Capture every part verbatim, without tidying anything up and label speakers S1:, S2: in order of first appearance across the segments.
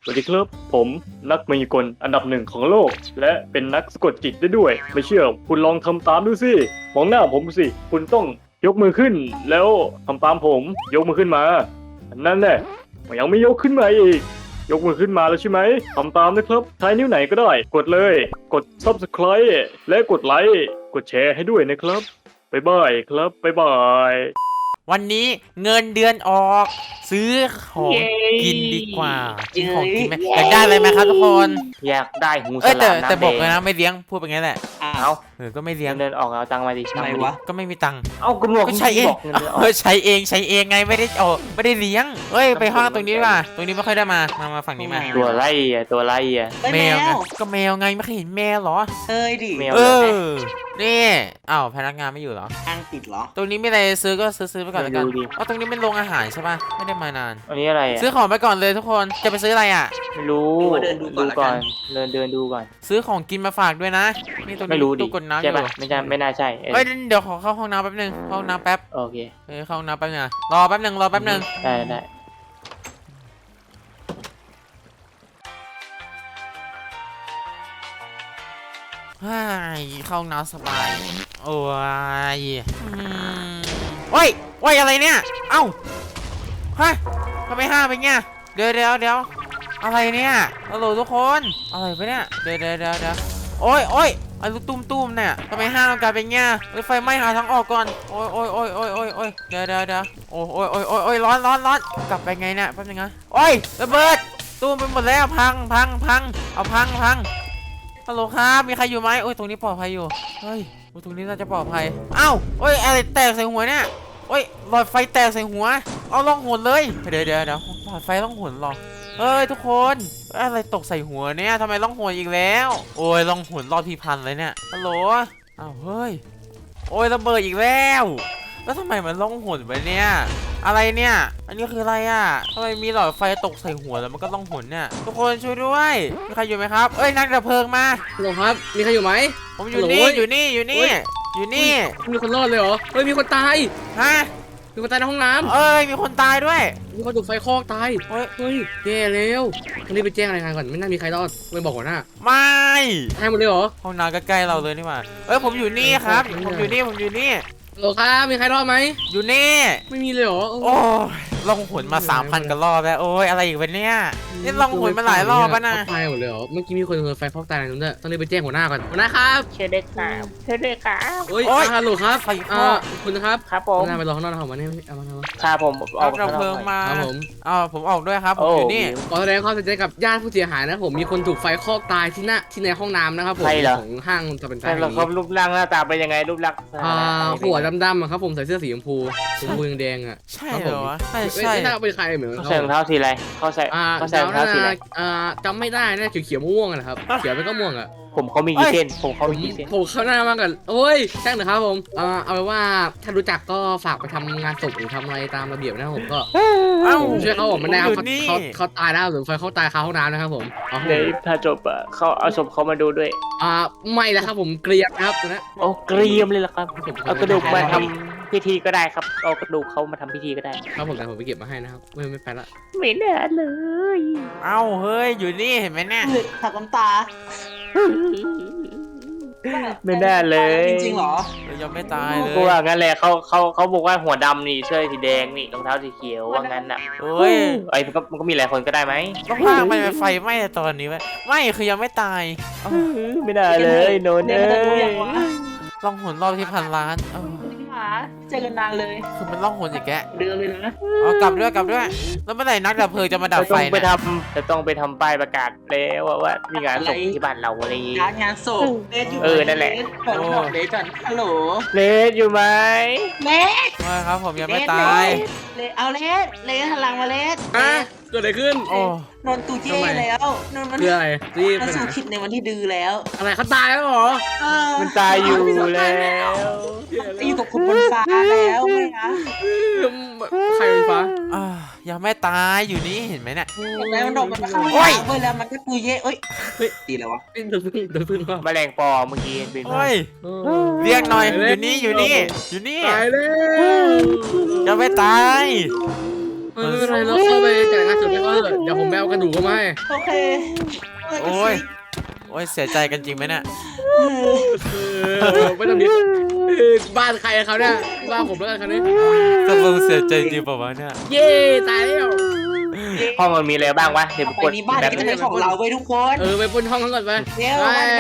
S1: สวัสดีครับผมนักมายากลอันดับหนึ่งของโลก และเป็นนักสะกดจิตได้ด้วย ไม่เชื่อคุณลองทำตามดูสิมองหน้าผมสิคุณต้องยกมือขึ้น แล้วทำตามผมยกมือขึ้นมานั่นแหละยังไม่ยกขึ้นมาอีกยกมือขึ้นมาแล้วใช่ไหมทำตามนะครับใช้นิ้วไหนก็ได้ กดเลยกด ซับสไครบ์ และกดไลค์กดแชร์ให้ด้วยนะครับบ๊ายบายครับบ๊ายบาย
S2: วันนี้เงินเดือนออกซื้อของกินดีกว่ากินของกินไหมอยากได้อะไรไหมครับทุกคน
S3: อยากได้หูฉ
S2: เอ้ยแต่
S3: ลามน้ำ
S2: แต่
S3: แด
S2: บอก
S3: ง
S2: เลยนะไม่เลี้ยงพูดไปงั้นแหละ
S3: เอา
S2: เออก็ไม่เลี้ยง
S3: เดินออกเอาตังค์มาดิ
S4: ทำไมวะ
S2: ก็ไม่มีตังค์
S3: เอากระบอก
S2: ก็ใช้เอง
S3: บอกเงินเดือนออ
S2: เอก อใช้เองใช้เองไงไม่ได้ออกไม่ได้เลี้ยงเอ้ยไปห้องตรงนี้ดีกว่าตรงนี้ไม่ค่อยได้มามามาฝั่งนี้มา
S3: ตัวไล่อะตัวไล่อะ
S4: เฮ้ย
S2: แม
S4: แม
S2: วไง
S4: ว
S2: ก็แมวไงไม่เคยเห็นแมวเหรอ
S4: เอ้ยดิ
S3: แมว
S2: เอ
S3: เหรอ
S2: อนี่อ้าวพนักงานไม่อยู่เหรอ
S4: ทางติดเหรอ
S2: ตรงนี้มีอะไรซื้อก็ซื้อซื้อไปก่อนแล้วกัน
S3: ดูดิ
S2: อ๋อตรงนี้เป็นโรงอาหารใช่ป่ะไม่ได้มานาน
S3: อันนี้อะไรอะ
S2: ซื้อของไปก่อนเลยทุกคนจะไปซื้ออะไรอ่ะ
S3: ไม่รู้
S4: ดูว่าเดินดูก่อนละกัน
S3: เดินเดินดูก่อน
S2: ซื้อของกินมาฝากด้วยนะนี่ตรง
S3: ไม่
S2: นี้
S3: รู้ดิ
S2: ตู้กดน้ำอ
S3: ใช่
S2: ยู่
S3: ปะไม่ใช่ไม่น่าใช่เออ
S2: เฮ้ยเดี๋ยวขอเข้าห้องน้ำแป๊บนึงเข้าห้องน้ำแป๊บ
S3: โอเค
S2: เฮ้ยเข้าห้องน้ำแป๊บนึงอะรอแป๊บนึงรอแป๊บนึง
S3: ได้ได้
S2: ฮ่ายเข้าห้องน้ำสบายโอ้ยอืมโอ้ยโอ้ยอะไรเนี่ยเอ้าฮะทำไมห้าเป็นเงี้ยเดี๋ยวเดี๋ยวเดี๋ยวอะไรเนี่ยฮัลโหลทุกคนอะไรไปเนี่ยเดี๋ยวเดี๋ยวเดี๋ยวเดี๋ยวโอ้ยโอ้ยไอ้ลูกตุ้มตุ้มเนี่ยทำไมห้ามันกลายเป็นเงี้ยเฮ้ยไฟไหม้หาทางออกก่อนโอ้ยโอ้ยโอ้ยโอ้ยโอ้ยโอ้ยเดี๋ยวเดี๋ยวเดี๋ยวโอ้ยโอ้ยโอ้ยโอ้ยโอ้ยร้อนร้อนร้อนกลับไปไงเนี่ยแป๊บนึงนะโอ้ยระเบิดตุ้มไปหมดแล้วพังพังพังเอาพังพังฮัลโหลครับมีใครอยู่ไหมโอ้ยตรงนี้ปลอดภัยอยู่เฮ้ยโอ้ยตรงนี้น่าจะปลอดภัยเอ้าโอ้ยอะไรแตกใส่หัวเนี่ยโอ้ยหลอดไฟแตกใส่หัวเอาล่องหนเลยเดี๋ยวเดี๋ยวเดี๋ยวหลอดไฟล่องหนหรอเฮ้ยทุกคนอะไรตกใส่หัวเนี่ยทำไมล่องหนอีกแล้วโอ้ยล่องหนรอบที่พันเลยเนี่ยฮัลโหลอ้าวเฮ้ยโอ้ยระเบิดอีกแล้วแล้วทำไมมันล่องหนไปเนี่ยอะไรเนี่ยอันนี้คืออะไรอ่ะทำไมมีหลอดไฟตกใส่หัวแล้วมันก็ล่องหนเนี่ยทุกคนช่วยด้วยมีใครอยู่ไหมครับเอ้ยนักดับเพลิงมา
S5: ฮัลโหลครับ มีใครอยู่ไหม
S2: ผมอยู่
S5: ฮัลโหล
S2: นี่อยู่นี่อยู่นี่
S5: โอ้ย
S2: อยู่นี่
S5: มีคนรอดเลยเหรอ เฮ้ย มีคนตาย
S2: ฮะ
S5: มีคนตายในห้องน้
S2: เอ้ยมีคนตายด้วย
S5: ำมีคนถูกไฟคลอกตาย
S2: เฮ้ย
S5: เฮ้ยแย่แล้วต้องรีบไปแจ้งรายงานก่อน ไม่น่ามีใครรอดไปบอกหัวหน้า
S2: ไม่
S5: ตายหมดเลยเหรอ
S2: ห้องน้ำก็ใกล้เราเลยนี่หว่าเอ้ยผมอยู่นี่ครับ
S5: เออ
S2: ผมอยู่นี่ผมอยู่นี่
S5: ฮัลโหลครับ มีใครรอดไหม
S2: อยู่นี่
S5: ไม่มีเลยเหรอเออ
S2: โอ้ยลองหนมาสามพันกันรอบแล้วโอ้ยอะไรอีกวะเนี่ยนี่ลองหนมาหลายรอบแล้วนะ
S5: ตายหมดเลยเหรอ เมื่อกี้มีคนโดนไฟคลอกตายในนั้นด้วยต้องรีบไปแจ้งหัวหน้าก่อน หัวหน้าครับ
S3: เชิญได้ครับเชิญได้ครับ
S5: เฮ้ย
S2: โอ๊ย
S5: อ่าฮัลโหลครับ
S2: ไฟคลอก
S5: อ่าคุณนะครับ
S3: ครับผ
S5: หั
S3: ม
S5: วหน้าไปรอข้างนอกนะครับวันนี้เอามาเอามา
S3: ครับผมอ
S2: เอา
S3: อก
S2: ดับเพลิงมา
S5: ครับผม
S2: อ้าวผมออกด้วยครับผมอยู่นี่
S5: ขอแสดงความเสียใจกับญาติผู้เสียหายนะครับผม มีคนถูกไฟคลอกตายที่หน้าที่ในห้องน้ำนะครับผมของห้างจะเป็นไฟ
S3: ใช่
S5: แห่ง
S3: เรา
S5: นี้
S3: เขารูปร่างหน้าตาเป็นยังไงรูปลักษณ์
S5: อ่าหัวดำๆอะครับผมใส่เสื้อสีชมพูชมพูแดงๆอ่ะ
S2: ใช่เหรอวะใช่
S5: ไม่
S2: ใช่
S5: ไม่น่าเป็นใครเหมือน
S3: เขา
S5: เขา
S3: ใส่รองเท้าสีอะไรเขาใส่
S5: อ่า
S3: เขาใส่รองเท้าสีอะไร
S5: อ่าจำไม่ได้นะเขียวๆม่วงๆอะนะครับเขียวไปก็ม่วงอ่ะ
S3: ผมเขามีกี่เส้นผมเขา
S5: ผม
S3: มีกี่เส้น
S5: ผมเข้าหน้ามากกันโอ้ยช่างเถอะครับผมอ่าเอาเป็นว่าถ้ารู้จักก็ฝากไปทำงานศพหรือทำอะไรตามระเบียบนะครับผมก็
S2: เอ้า
S5: ผมช่วยเขาผมไม่ได้ครับ
S2: อยู่นี่
S5: เขาเขาเขาตายแล้วหรือไฟเขาตายคาห้องน้ำนะครับผมเอาครับ
S3: ใน
S5: ผม
S3: ถ้าจบอ่ะเขาเอาศพเขามาดูด้วย
S5: อ่าไม่แล้วครับผมเกลียดนะครับตัวนี้
S3: โอ้เกรียมเลยล่ะครับ
S5: ผม
S3: เอากระดูกมาทำพิธีก็ได้ครับเอากระดูกเขามาทำพิธีก็ได้
S5: ครับผมแต่ผมไปเก็บมาให้นะครับไม่ไม่ไปละ
S3: ไม่น่าเลย
S2: เอ้าเฮ้ยอยู่นี่เห็นไหมเนี่ย
S4: เฮ้ยถักน้ำตา
S3: ไม่น่าเลย
S4: จริงๆเหรอ
S2: เรายังไม่ตายเลย
S3: กูว่างั้นแหละเขาเขาเขาบอกว่าหัวดำนี่เสื้อสีแดงนี่รองเท้าสีเขียวว่างั้นอ่ะ
S2: เฮ้ย
S3: ไอ้มันก็มันก็มีหลายคนก็ได้ไหม
S2: ต้องพากไปไฟไหม้ตอนนี้ไหมไม่คือยังไม่ตายเอ้า
S3: ไม่ได้เลยโนน
S4: เดี๋
S3: เอ้
S4: ยวมันจะรู้ยัง
S3: ยว
S4: ะ
S2: ล่องหนรอบที่พันล้านเอ้า
S4: พี่หมาเจอกันนานเลย
S2: คือมันล่องหนอีกแก
S4: เดิมเลยนะ
S2: เอากลับด้วยกลับด้วย แล้วเมื่อไหร่นักดับเพลิงจะมาดับ
S3: จะ
S2: ไฟ
S3: ต้องไป
S2: เนี่ย
S3: ทำจะต้องไปทำป้ายประกาศแล้วว่าว่ามีงานศพที่บ้านเราอะไรอย่างงี้
S4: งานงานศพเลสอยู่
S3: เออนั่นแหละ
S4: เปิดบอกเลสก่อนฮัลโหล
S3: เลสอยู่ไหม
S4: เลส
S2: ไม่ครับผมยังไม่ตาย
S4: เลสเอาเลสเลสหันหลังมาเลส
S5: อ่ะเกิดอะไรขึ้น
S2: โอ้
S4: นนตูเย่แล้วนนมัน
S5: คืออะไรรีบ
S4: มัน
S5: ไปไหน
S4: สู่คิดในวันที่ดื้อแล้ว
S5: อะไรเขาตายแล้วเหรอ
S4: เออ
S3: มันตายอยู่แล้ว
S4: ไปอยู่กับคนบนฟ้าแล้วไงคะ
S5: ใครเป็นฟ้า
S2: อ่ายังไม่ตายอยู่นี่เห็นไหมเนี่ย
S4: แล้วมันโดดมันเข้า
S2: โอ้ย
S4: เว้ยแล้วมันก็ตูเย่เอ้ยเฮ้ยตีแล้ววะ
S5: โดนพึ่งโดนพึ่งว่า
S3: แมลงปอเมื่อกี้เป็น
S2: โอ้ยเรียกหน่อยอยู่นี่อยู่นี่อยู่นี่
S5: ตายแล้ว
S2: ยังไม่ตาย
S5: เออไม่เป็นไรเราเข้าไปจัดงานศพให้เขาเถอะเดี๋ยวผมไปเอากระดูกเขามาให้
S4: โอเค
S2: โอ้ยโอ้ยเสียใจกันจริงไหมเนี่ย
S5: เออไม่ต้องดิเออบ้านใครเขาเนี่ยบ้านผมแล้วกันคันนี้
S2: ตกลงเสียใจจริงเปล่าวะเนี่ย
S5: เย้ตายแล้ว
S3: ห้องมันมีอะไรบ้างวะเดี๋ยว
S4: ต่อ
S3: กู
S4: ไป
S3: กด
S4: นี้บ้าน
S3: แบบ
S4: นี้ก็จะเป็นของเราเว้ยทุกคน
S5: เออไปปล้นห้องเขาก่อนไป
S4: เร็ว
S5: ไป
S4: บ้านนี้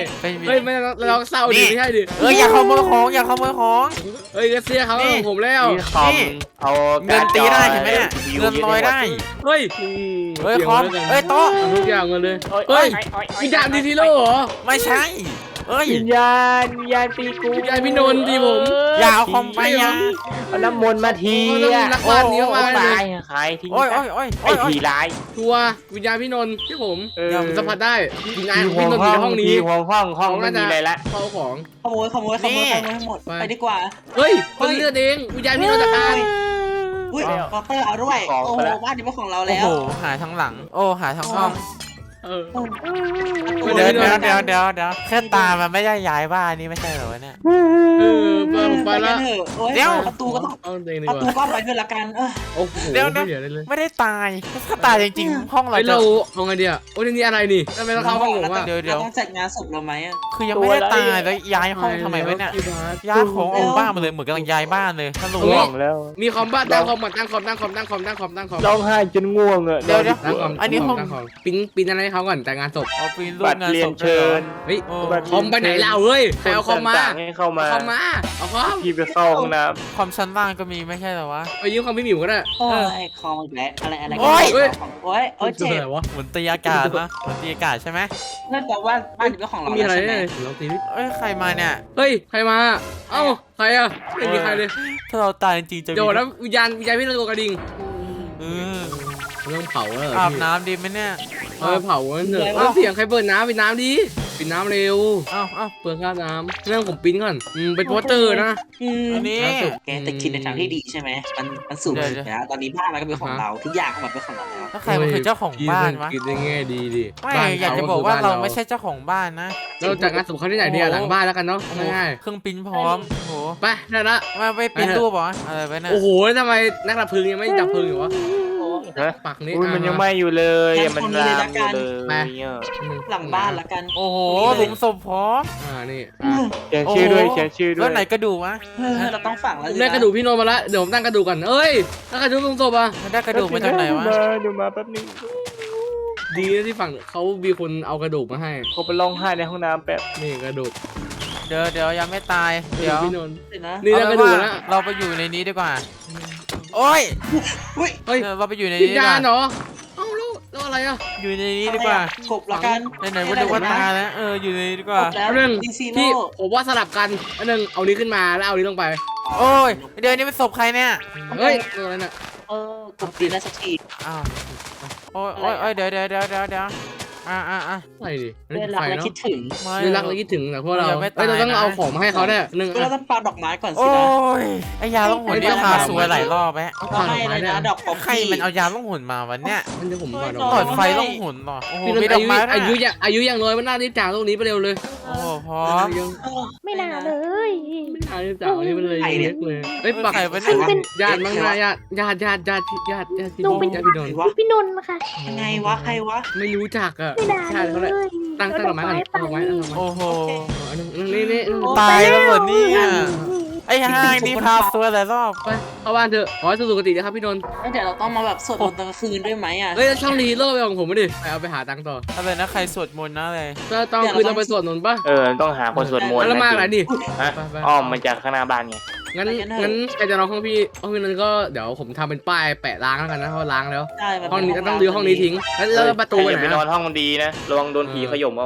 S2: ไม่มี
S5: เฮ้ยไม่เราเศร้าดิไม่ใช่ดิ
S2: เอออย่าขโมยของอย่าขโมยของ
S5: เฮ้ยกระเซียเขาของผมแล้ว
S3: มีคอม
S2: นี่
S3: เอา
S2: เงินตีได้เห็นไหมเนี่ยเงินลอยได้
S5: เฮ้ย
S2: เฮ้ยคอมเฮ้ยโต๊ะ
S5: เอาทุกอย่างมาเลย
S3: เฮ้
S5: เฮ้
S3: ย
S5: ยวิญญาณดีทีโร่เหรอ
S2: ไม่ใช่เอ้ย
S3: วิญญาณวิญญาณตีกู
S5: วิญญาณพี่นนท์ตีผม
S2: อย่าเอาคอมไปอย่า
S3: เอาน้ำมนต์มาที
S5: เขาต้องรักบ้านนี้มากๆเลย
S3: ตายใครทิ้ง
S2: โอ้ยโอ้ยโอ้ย
S3: ไอ้
S2: โอ้ย
S3: ผีร้าย
S5: ทัวร์วิญญาณพี่นนท์ที่ผม
S3: เออ
S5: ผมสัมผัสได้วิญญาณของพี่นนท์อยู่ในห้องนี้
S3: ห้องห้องห้องไม่มีอะไรละ
S5: เข้าของ
S4: ขโมยขโมยขโมยขโมยให้หมด
S5: ไป
S4: ไปดีกว่า
S5: เฮ้ยคนเลือดเองวิญญาณพี่นนท์จัดการ
S4: อุ้ยคอเตอร์เอาด้วยโอ้โหบ้านนี้เป็นของเรา
S2: โอ้
S4: แล้ว
S2: โหหาทั้งหลัง โอ้หาทั้งห้อง
S5: เออ
S2: เดี๋ยวเดี๋ยวเดี๋ยวเดี๋ยวเดี๋ยวแค่ตามันไม่ได้ย้ายบ้านนี่ไม่ใช่เหรอวะเนี่ย
S5: เออไปผมไป
S4: ไปกั
S5: ละ
S4: นเถอะโอ้ย
S2: เดี๋ยว
S4: ประตูก็ต้อง
S5: เอาเองดี
S4: ประ
S5: ก
S4: ตู
S5: ว่า
S4: ก็ไปด้วยละกันเออ
S5: โอ้โห
S2: เดี๋ยวนะ
S5: ไม่เหลืออะไรเลย
S2: ไม่ได้ตายถ้าตายจริงๆ ห้องเรา
S5: ไอ้
S2: จะ
S5: เราเอาไงดีอ่ะโอ้ยนี่อะไรนี่ทำไมต้องเข้าห้องผมอ่ะ
S2: เดี๋ยวเดี๋ยว
S4: ราต้องจัดงานศพเราไหมอะ
S2: คือยังไม่ได้ตายแล้วย้ายห้องทำไมวะเนี่ยย้ายของออกบ้านมาเลยเหมือนกำลังย้ายบ้านเลยถ้ารู้
S3: ง่วงแล้ว
S5: มีคอมบ้านตั้งคอมก่อนตั้งคอมตั้งคอมตั้งคอมตั้งคอมตั้งคอม
S3: ร้องไห้จนง่วงอ่ะ
S2: เดี๋ยวเดี๋ยว
S5: ตั้งคอม
S2: อันนี้ห้อง
S5: ตั้งคอมปิ้นปิ้นอะไรให้เขาก่อนแต่งงานศพ
S2: เอาปีนรูป
S3: บัตรง
S2: าน
S3: เรีย
S2: ศ
S3: น
S2: พ
S3: เชิญ
S5: เฮ้ย
S2: โอ้
S5: คอมไปไหนเล่าเฮ้ยใครเอาคอมมา
S3: ต่งๆให้เข้ามา
S5: เอาคอมมาเอาคอม
S3: พี่ไปเข้าห้องน้
S2: ความชั้นล่างก็มีไม่ใช่เหรอวะ
S5: ไปยืมคอมพี่หมิวก็ได้
S4: โอ้ยคอมอีกแล้วอะไรอะไร
S2: โอ้ย
S4: โอ้ยโอ้ยโอ้ยเจ็บ
S5: อะไรวะ
S2: เหมือนตีอากาศนะเหมือนตีอากาศใช่ไหม
S4: นั่นแปลว่าบ้านนี้เป็นของเรา
S5: มีอะไร
S4: ใช่ไหม
S5: เนี่ยลองตีดิ
S2: เอ้ยใครมาเนี่ย
S5: เฮ้ยใครมาเอ้าใครอ่ะไม่มีใครเลย
S2: ถ้าเราตายจริงๆจะมี
S5: เดี๋ยวนะวิญญาณวิญญาณพี่นนท์ตัวกระดิ่ง
S2: เออ
S5: เรื่องเผาแล้วเหรอ
S2: อาบ
S5: พี่
S2: น้ำดีไหมเนี่ย
S5: เอาไปเผากันเถอะเอาเสียงใครเปิดน้ำปิดน้ำดิปิดน้ำเร็ว
S2: เอ้าเอ้า
S5: เปิดค่าน้ำเรื่องผมปริ้นก่อนอืมเป็นโปสเตอร์นะ
S4: อืม
S2: อันนี้
S5: ล่าสุด
S4: แกแต่คิดในทางที่ดีใช่ไหมมันมันสูง
S2: เดี๋ยว
S4: สุดแล้วตอนนี้บ้านเราก็เป็นของเราทุกอย่างมันเป็นของเราแล้ว
S2: แล้วใครมันคือเจ้าของบ้านวะ
S5: คิดได้แง่ดีดิ
S2: ไม่
S5: บ้น
S2: อยากจะ
S5: ข
S2: บอกว่า
S5: คื
S2: เราไม่ใช่เจ้าของบ้านนะ
S5: เราจัดงานศพเขาที่ไหนเนี่ยหลังบ้านแล้วกันเนาะง่าย
S2: เครื่องปริ้นพร้อมโอ้โห
S5: ๆไปได้ละ
S2: มาไปปริ้นรูปเหรออะไรไปเนี่ย
S5: โอ้โหแล้วทำไมนักดับเพลิงยังไม่ดับเพลิงอยู่วะ
S3: ำฮะ
S5: ปักนี้
S3: อุ้ยมันยัง
S5: อ่ะ
S3: ไหม่อยู่เลยอะมันลามอยู่เลย
S5: ไป
S3: เนี่ย
S4: หลังบ้านละกัน
S2: โอ้โหหลุมศพพร้อม
S5: อ่านี่
S4: อื
S5: อ่ะ
S4: ม
S3: เขียนชื่อด้วยเขียนชื่อด้ว
S2: แล้
S3: ยว
S2: ไหนกระดูกวะ
S4: เออเราต้องฝังแล้ว
S5: ผม
S4: สิ
S5: ได้
S4: น
S5: กระดูกพี่โนมาละเดี๋ยวผมตั้งกระดูกก่อนเอ้ยตั้งกระดูกตรงศพอ่ะ
S2: มันได้กระดูกมาจากไหนวะ
S3: มาเดี๋ยวมาแป๊บนึง
S5: ดีนะที่ฝั่งเขามีคนเอากระดูกมาให้
S3: เขาไปร้องไห้ในห้องน้ำแป๊บ
S5: นี่กระดูก
S2: เดี๋ยวเดี๋ยวยังไม่ตาย
S5: กระ
S2: เดี๋
S5: ดู
S2: ย
S5: ก
S2: ว
S5: พี่นนท์
S4: สินะ
S5: นี่แล้วกระดูกนะ
S2: เราไปอยู่ในนี้ดีกว่า โอ้ย
S4: อุ้ย
S5: เฮ้ย
S2: เออเราไปอยู่ใน
S5: วิ
S2: นี้
S5: ญ
S2: ดีก
S5: ญา
S2: ว่า
S5: ณเหรอเอ้าแล้วแล้วอะไรอ่ะ
S2: อยู่ในนี้ดีกว่า
S4: กบละกัน
S2: ไหนๆว่าดูว่าตายแล้วเอออยู่ในนี้ดีกว่า
S4: กบแล้ว
S5: เรื่อง
S4: ดีซี
S5: พี่
S4: โร่
S5: ผมว่าสลับกันอันหนึงเอานี้ขึ้นมาแล้วเอานี้ลงไป
S2: โอ้ยเดี๋ยวนี้เป็นศพใครเนี่ย
S5: เฮ้ยตัวอะไรน่ะ
S4: เออกบดีแล้วสักที
S2: อ้าวโอ้ยโอ้ยโอ้ยเดี๋ยวเดี๋ยวเดี๋ยวเดี๋ยวเดี๋ยวอ่าอ่าอ่า
S5: อะไรดิอัน
S4: เรื่
S5: นี้
S4: องรัก
S5: ไฟ
S4: และ
S5: เนาะ
S4: คิดถึง
S2: ไม่
S5: เรื่องรักและคิดถึงแต่พวกเรา
S2: ยังไม่ตาย
S5: เอ้ยเราต้อง
S2: นะ
S5: เอาของมาให้เขาเนี่ยหนึ่ง
S4: เรา
S5: อ่ะ
S4: ต้องปาดอกไม้ก่อนสิ
S2: โอ้
S4: นะ
S2: ยไอยาล่องหนนี่พาสวยหลายรอบแม่
S4: ก็ให้เลยนะดอกป๊อป
S2: ใคร
S4: ปี้
S2: มันเอายาล่องหนมาวันเนี้ย
S5: มันจะผมก่อน
S4: เฮ้ย
S5: เอา
S2: หล
S5: ก่
S2: อ
S5: อน
S2: ดไฟล่องหนเหรอโอ้โห
S5: พี่นน
S2: มี
S5: ท์
S2: ดอ
S5: อาก ยุ
S2: ไม้
S5: อายุ
S2: ด้วย
S5: อย่างอายุอย่างน้อยมันน่ารีบจากตรงนี้ไปเร็วเลย
S2: โอ้โหพร้อม
S5: ยัง
S4: เออ
S6: ไม่น่าเลย
S5: ไม่น่ารีบจากตรงนี้มันเลยเล็กเลยเฮ้ยปัก
S2: ใครวะเนี่ย
S5: ญาติมั้งนะญาติญาติญาติญาติญาติญาติพี่
S6: หนูเป็น
S5: ญาติพี่นนท์
S4: วะ
S6: พี่นนท์ค่ะ
S4: ยังไงวะใครวะ
S5: ไม่รู้จักอ่ะ
S6: ไม่น่า
S5: ญาติเขา
S6: เล
S5: เลย
S6: ย
S5: ตั้งตั้งดอกไม้ก่อนตั้งดอกไม้ตั้งดอกไม้
S2: โอ้โห
S5: อันนึงนี่นี่
S2: ตายแล้วเหรอเนี่ยไอ้ห้างนี่พาสวยหลายรอบ
S5: ไปเข้าบ้านเถอะขอให้สุขตินะครับพี่นนท์
S4: แล้วเดี๋ยวเราต้องมาแบบสวดมนต์ตอนกลางคืนด้วยไหมอ่ะ
S5: เฮ้ยช่องรีโร่ไปของผมไม่ดิไปเอาไปหาตังค์ต่อ
S2: อะไรนะใครสวดมนต์นะอะไร
S5: ก็ต้องคือเราไปสวดมนต์ป่ะ
S3: เออต้องหาคนสวดมนต์
S5: แล้วมาอะไรดิ
S3: ฮะ
S5: ไปไป
S3: อ้อมมาจากข้างหน้าบ้านไง
S5: งั้นงั้นใครจะนอนห้องพี่ห้องพี่นั้นก็เดี๋ยวผมทำเป็นป้ายแปะล้างแล้วกันนะเพราะล้างแล้ว
S4: ใช่มั
S5: ห้องนี้
S4: เป็
S5: ต้องรื้อห้องนี้ทิ้งแล้วแล้วประตู
S3: ใค
S5: ไป
S3: ร
S5: ไห
S3: จะ
S5: น
S3: ไปนอน
S5: อะ
S3: ห้องมันดีนะระวังโดนผีขย่มเอา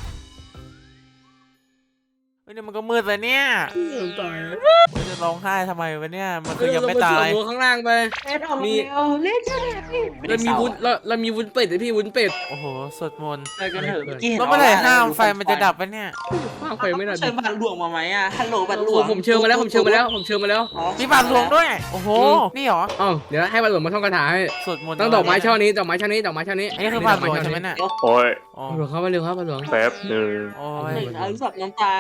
S2: เฮ้ยนี่มันก็มืดเลยเนี่ย
S5: ตาย
S2: มันจะร้องไห้ทำไมวะเนี่ยมัน
S5: เอ
S2: คือ
S5: อ
S2: ยัง
S5: เรา
S2: ไม่
S5: ไปส
S2: ตาว
S5: ด
S2: ย
S5: มนต์ข้างล่างไป
S4: เอ็ดออกมาเร็วเล่นใช่ไหมพี่
S5: เรามีวุ้นเราเรามีวุ้นเป็ดเลยพี่วุ้นเป็ด
S2: โอ้โหสวดมนต์
S4: ไปกันเถอะเมื่อกี้เห็น
S2: แล้วเมื่อไหร่ห้ามไฟมันจะดับปะเนี่ย
S5: ข้างไฟไม่ได้
S4: เชิญบัตรหลวงมาไหมอ่ะฮัลโหลบัตรหล
S5: โอ้
S4: วง
S5: ผมเชิญมาแล้วผมเชิญมาแล้วผมเชิญมาแล้ว
S4: อ๋อ
S2: มีบาทหลวงด้วยโอ้โหนี่เหรอ
S5: อ๋อเดี๋ยวให้บาทหลวงมาท่องคาถาให้
S2: สวดมนต์
S5: ต้องดอกไม้ช่อนี้ดอกไม้ช่อนี้ดอกไม้ช่อนี้
S2: อันนี้คือบาทหลวงใช่ไหมเนี่ย
S3: โอ้ย
S2: อ๋อ
S5: หลวงเข้ามาเร็วครับบาทหลวง
S3: แป๊บหนึ่ง
S2: โอ้ย
S4: หนึ่งเอาสับน้ำตาก่อน
S2: ไม่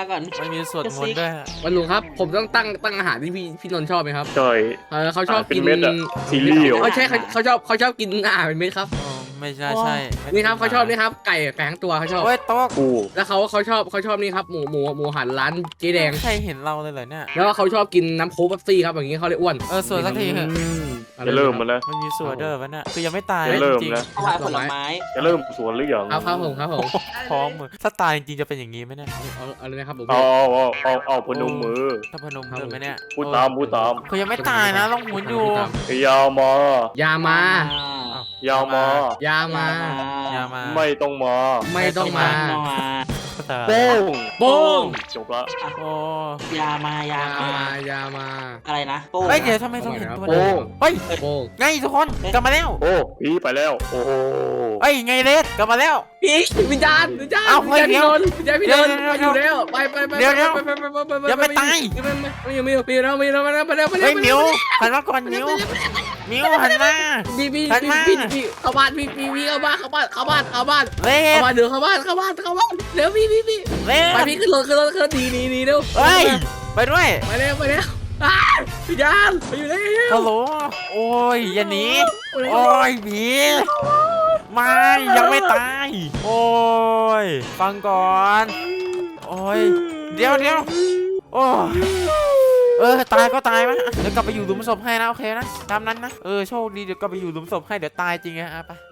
S2: มีสวดมนต์ด้วย
S5: วันลุงครับผมต้องตั้งตั้งอาหารที่พี่พี่นนท์ชอบไหมครับ
S1: ใช่
S5: เออเขาชอบ
S1: เป็น
S5: กิน
S1: เม็ดอะซีเรียล
S5: เขาใช่เขาเขาชอบเขาชอบกินอาหารเป็นเม็ดครับ
S2: อ๋อไม่ใช่ใช่
S5: นี่ครับเขาชอบนี่ครับไก่แฝงตัวเขาชอบ
S2: โอ้ยโต๊ะ
S1: กู
S5: แล้วเขาเขาชอบเขาชอบนี่ครับหมูหมูหมูหันร้านเจ๊แดง
S2: ใครเห็นเราเลยเหรอเนี่ย
S5: แล้วก็เขาชอบกินน้ำโค้กเป๊ปซี่ครับอย่างนี้เขาเลยอ้วน
S2: เออสวดสักทีเถอะ
S1: จะเริ่มมาแล้ว
S2: มันมีสวดเด้อวะเนี่ยคือยังไม่ตาย
S1: จะ
S2: นะ
S1: เริ่ม
S2: จริง
S1: แล้ว
S4: ถวายผลไม้
S1: จะเริ่มสวนหรือยัง
S5: ครับครับผมครับผม
S2: ๆพร้อมมือถ้าตายจริงๆจะเป็นอย่างนี้ไหมเนี่ย
S5: เอาเอาเลยนะครับผม
S1: เอาเอาเอาเอาพนมมือ
S2: ถ้าพนมมือไหมเนี่ย
S1: พูดตามพูดตาม
S2: คือยังไม่ตายนะต้องหมุนอยู่
S1: ยาวมา
S5: ยามา
S1: ยาวมา
S5: ยามา
S2: ยามา
S1: ไม่ต้องมา
S5: ไม่ต้องมา
S4: มา
S1: โป้ง
S5: โป้ง
S1: จบละ
S2: โอ้
S4: ยามายาย
S5: า
S4: มา
S5: มายามา
S4: อะไรนะโป้ง
S2: เฮ้ยเดี๋ยวทำไมต้องเห็นตัว
S1: โป้
S2: นั้น
S1: ง
S2: เฮ้ย
S5: โป้ง
S2: ไงทุกคนกลับมาแล้ว
S1: โอ้พี่ไปแล้ว โอ้โห
S2: เฮ้ยไงเลสกลับมาแล้ว
S5: พี่วิญญาณวิญญาณ
S2: เอ้า
S5: วิญญาณ
S2: เฮ้ย
S5: พี่นนท์วิญญาณพี่นนท์
S2: เดี๋
S5: มา
S2: ยว
S5: อยู่แล้วไปไปไป
S2: เดี๋ยวเดี๋ยว
S5: ไปไปไปไปไป
S2: ยังไม่ตาย
S5: ยังไม่ไม่ยังไม่ยังไม่ยังไม่ยังไม่ยังไม่ยังไม่ยังไม่
S2: เฮ้ยมิวหันมาก่อนมิวมิวหันมา
S5: พี่พี่
S2: หันมา
S5: พี่พี่เข้าบ้านพี่พี่พี่เข้าบ้านเข้าบ้านเข้าบ้านเข้าบ้าน
S2: เล
S5: เข้า
S2: ส
S5: บ้านเดี๋ยวเข้าบ้านเข้าบ้านเข้าบ้านเดี๋ยวพี่พี่พี่
S2: เล
S5: ไป
S2: ส
S5: พี่ขึ้นรถขึ้นรถขึ้นรถดีดีดีเร็ว
S2: เฮ้ยไปด้วย
S5: ไปเร็วไปเร็วอ้าววิญญาณไปอยู่แล้ว
S2: ฮัลโหลโอ้ยอย่าหนีโอ้ยผีไม่ยังไม่ตายโอ้ยฟังก่อนโอ้ยเดี๋ยวเดี๋ยวโอ้ยเออตายก็ตายมั้ยเดี๋ยวกลับไปอยู่หลุมศพให้นะโอเคนะตามนั้นนะเออโชคดีเดี๋ยวกลับไปอยู่หลุมศพให้เดี๋ยวตายจริงอะอ่ะไป